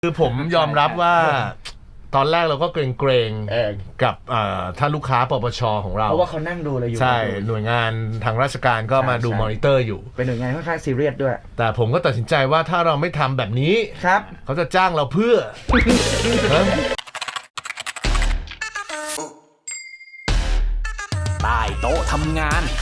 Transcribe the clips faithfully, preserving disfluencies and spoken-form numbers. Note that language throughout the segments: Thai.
คือผมยอมรับว่าตอนแรกเราก็เกรงๆกับท่านลูกค้าปปช.ของเราเพราะว่าเขานั่งดูเลยอยู่ใช่หน่วยงานทางราชการก็มาดูมอนิเตอร์อยู่เป็นหน่วยงานค่อนข้างซีเรียสด้วยแต่ผมก็ตัดสินใจว่าถ้าเราไม่ทำแบบนี้ครับเขาจะจ้างเราเพื่อใต้โต๊ะทำงาน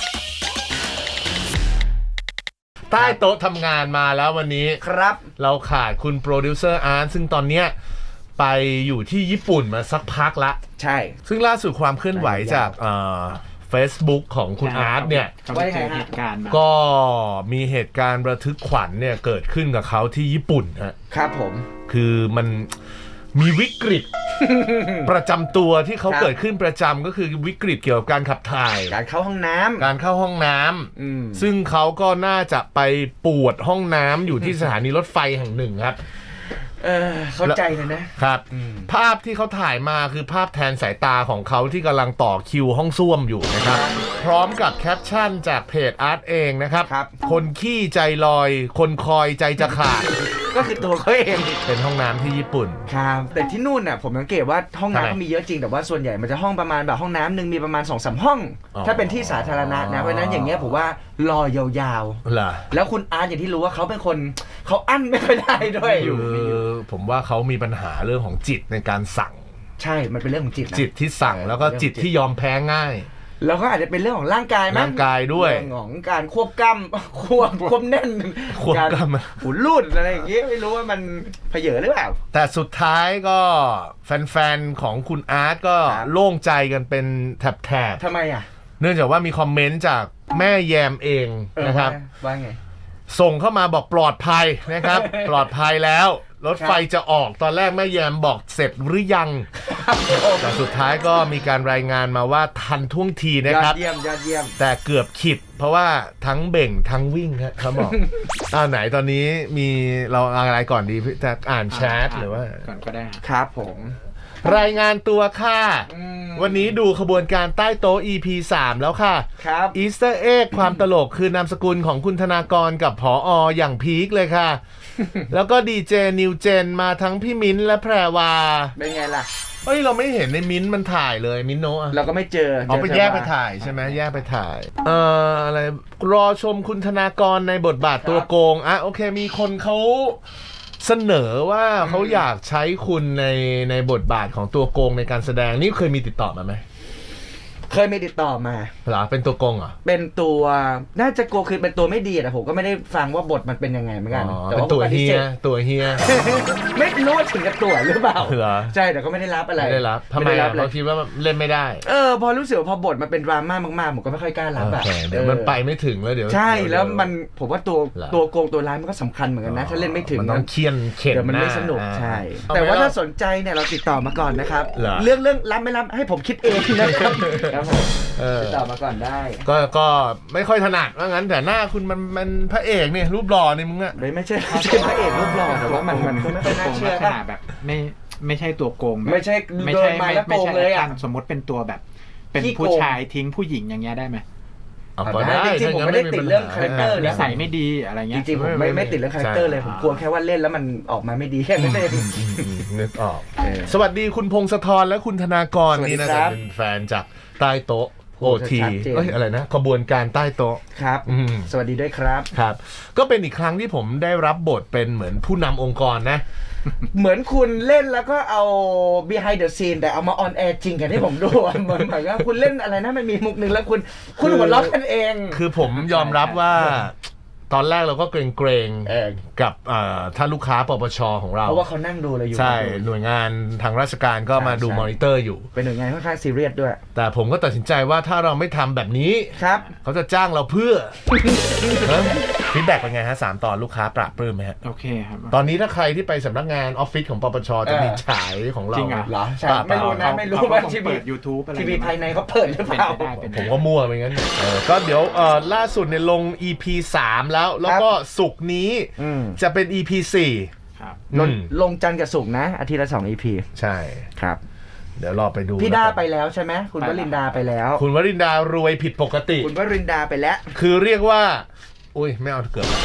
ใต้โต๊ะทำงานมาแล้ววันนี้ครับเราขาดคุณโปรดิวเซอร์อาร์ตซึ่งตอนเนี้ยไปอยู่ที่ญี่ปุ่นมาสักพักละใช่ซึ่งล่าสุดความเคลื่อนไหวจากเอ่อ Facebook ของคุณอาร์ตเนี่ยก็มีเหตุการณ์ระทึกขวัญเนี่ยเกิดขึ้นกับเขาที่ญี่ปุ่นฮะครับผมคือมันมีวิกฤต ประจำตัวที่เขาเกิดขึ้นประจำก็คือวิกฤตเกี่ยวกับการขับถ่ายการเข้าห้องน้ำการเข้าห้องน้ำซึ่งเขาก็น่าจะไปปวดห้องน้ำอยู่ที่สถานีรถไฟแห่งหนึ่งครับเออเข้าใจเลยนะครับภาพที่เขาถ่ายมาคือภาพแทนสายตาของเขาที่กำลังต่อคิวห้องส้วมอยู่นะครับพร้อมกับแคปชั่นจากเพจอาร์ตเองนะครับคนขี้ใจลอยคนคอยใจจะขาดก็คือตัวเขาเองเป็นห้องน้ำที่ญี่ปุ่นครับแต่ที่นู่นน่ะผมสังเกตว่าห้องน้ำเขามีเยอะจริงแต่ว่าส่วนใหญ่มันจะห้องประมาณแบบห้องน้ำหนึ่งมีประมาณ สองสาม ห้องถ้าเป็นที่สาธารณะนะเพราะนั้นอย่างเงี้ยผมว่ารอยาวๆแล้วคุณอาร์ตอย่างที่รู้ว่าเขาเป็นคนเขาอั้นไม่ค่อยได้ด้วยอยู่ผมว่าเขามีปัญหาเรื่องของจิตในการสั่งใช่มันเป็นเรื่องของจิตจิตที่สั่งแล้วก็จิตที่ยอมแพ้ง่ายแล้วก็อาจจะเป็นเรื่องของร่างกายมั้ยร่างกายด้วยเรื่องของการควบกำควบควบแน่นควบกำหุ่นรูดอะไรอย่างเงี้ยไม่รู้ว่ามันเผยหรือเปล่าแต่สุดท้ายก็แฟนๆของคุณอาร์ตก็โล่งใจกันเป็นแถบๆทำไมอ่ะเนื่องจากว่ามีคอมเมนต์จากแม่แยมเองนะครับว่าไงส่งเข้ามาบอกปลอดภัยนะครับปลอดภัยแล้วรถไฟจะออกตอนแรกแม่แยมบอกเสร็จหรือยังแต่สุดท้ายก็มีการรายงานมาว่าทันท่วงทีนะครับยอดเยี่ยมยอดเยี่ยมแต่เกือบขิดเพราะว่าทั้งเบ่งทั้งวิ่งครับเขาบอกอ้าวไหนตอนนี้มีเราอะไรก่อนดีจะอ่านแชทหรือว่าก่อนก็ได้ครับผมรายงานตัวค่ะวันนี้ดูขบวนการใต้โต๊ะ อี พี สามแล้วค่ะครับอีสเตอร์เอ็กความตลกคือนามสกุลของคุณธนากรกับผอ.อย่างพีคเลยค่ะแล้วก็ดีเจนิวเจนมาทั้งพี่มิ้นและแพรวาเป็นไงล่ะเอ้ยเราไม่เห็นในมิ้นมันถ่ายเลยมิ้นโนะเราก็ไม่เจอเอาไปแยกไปถ่ายใช่ไหมแยกไปถ่ายเอ่ออะไรรอชมคุณธนากรในบทบาทตัวโกงอ่ะโอเคมีคนเขาเสนอว่าเขาอยากใช้คุณในในบทบาทของตัวโกงในการแสดงนี่เคยมีติดต่อมาไหมเคยมีติดต่อมาเหรอเป็นตัวโกงเหรอเป็นตัวน่าจะโกงคือเป็นตัวไม่ดีแต่ผมก็ไม่ได้ฟังว่าบทมันเป็นยังไงเหมือนกันแต่ว่าตัวเฮียตัวเฮียไม่รู้ถึงกับตัวหรือเปล่าใช่แต่ก็ไม่ได้รับอะไรไม่ได้รับทำไมเราคิดว่าเล่นไม่ได้เออพอรู้สึกว่าพอบทมันเป็นดราม่ามากๆผมก็ไม่ค่อยกล้ารับอ่ะเดี๋ยวมันไปไม่ถึงแล้วเดี๋ยวใช่แล้วมันผมว่าตัวตัวโกงตัวร้ายมันก็สำคัญเหมือนกันนะถ้าเล่นไม่ถึงมันต้องเคี่ยนเข็นเดี๋ยวมันไม่สนุกใช่แต่ว่าถ้าสนใจเนี่ยเราติดต่อมาก่อนนะครับเรื่องเรื่องรับไม่รับให้ผมคิดเองนะครับครับผมติดต่อมาก่อนได้ก็ก็ไม่ค่อยถนัดว่างั้นแต่หน้าคุณมันมันพระเอกเนี่ยรูปหล่อนี่มึงอะไม่ไม่ใช่ไม่ใช่พระเอกรูปหล่อแต่ว่ามันมันก็ไม่ค่อยน่าเชื่อแบบไม่ไม่ใช่ตัวโกงไม่ใช่ไม่ใช่ไม่โกงเลยอ่ะสมมติเป็นตัวแบบเป็นผู้ชายทิ้งผู้หญิงอย่างเงี้ยได้ไหมจริงๆผมไม่ได้ติดเรื่องคาแรคเตอร์นิสัยไม่ดีอะไรเงี้ยจริงๆผมไม่ไม่ติดเรื่องคาแรคเตอร์เลยผมกลัวแค่ว่าเล่นแล้วมันออกมาไม่ดีแค่นั้นเองนึกออกสวัสดีคุณพงศธรและคุณธนากรนี่นะเป็นแฟนจากใต้โต๊ะโอทีเอ้ยอะไรนะขบวนการใต้โต๊ะครับสวัสดีด้วยครับครับก็เป็นอีกครั้งที่ผมได้รับบทเป็นเหมือนผู้นำองค์กรนะเหมือนคุณเล่นแล้วก็เอา behind the scene แต่เอามา on air จริงกันให้ผมดูเหมือนเหมือนว่าคุณเล่นอะไรนะมันมีมุกนึงแล้วคุณคุณหัวเราะกันเองคือผมยอมรับว่าตอนแรกเราก็เกรงๆกับท่านลูกค้าปปช.ของเราเพราะว่าเขานั่งดูเลยอยู่ใช่หน่วยงานทางราชการก็มาดูมอนิเตอร์อยู่เป็นหน่วยงานค่อนข้างซีเรียสด้วยแต่ผมก็ตัดสินใจว่าถ้าเราไม่ทำแบบนี้ครับเขาจะจ้างเราเพื่อฟีดแบ็กเป็นไงฮะสามตอนลูกค้าปราบปลื้มไหมฮะโอเคครับตอนนี้ถ้าใครที่ไปสำนักงานออฟฟิศของปปช.จะมีฉายของเราจริงเหรอใช่ไม่รู้นะไม่รู้ว่าทีวี YouTube อะไรทีวีภายในเขาเปิดหรือเปล่าผมก็มั่วไปงั้นก็เดี๋ยวล่าสุดเนี่ยลง อี พี สามแล้วแล้วก็ศุกร์นี้จะเป็น อี พี สี่ครับลงจันทร์กับศุกร์นะอาทิตย์ละสอง อี พีใช่ครับเดี๋ยวรอไปดูพี่ดาไปแล้วใช่ไหมคุณวรินดาไปแล้วคุณวรินดารวยผิดปกติคุณวรินดาไปแล้วคือเรียกว่าอุ้ยไม่เอาเกือบ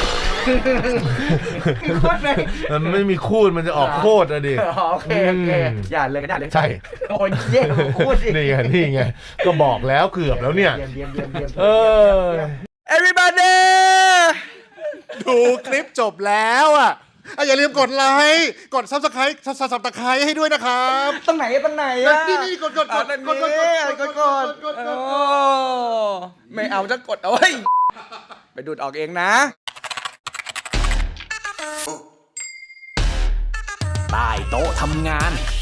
มีโคตรไหมมันไม่มีคูดมันจะออกโคตรอะดิอ๋อโอเคโอเคอย่าเลยก็ได้เลยใช่โอ้ยเย่พูดสินี่ไงนี่ไงก็บอกแล้วเกือบแล้วเนี่ยเยี่ยมเยี่ยมเยี่ยมเยี่ยมเออ everybody ดูคลิปจบแล้วอ่ะอ่ะอย่าลืมกดไลค์กดซับสไครต์ซับซับตะไคร้ให้ด้วยนะครับตรงไหนตรงไหนอ่ะนี่นี่กดกดกดอ่ะกดกดกดกดกดกดโอ้ไม่เอาจะกดเอาไว้ไปดูดออกเองนะใต้โต๊ะทำงาน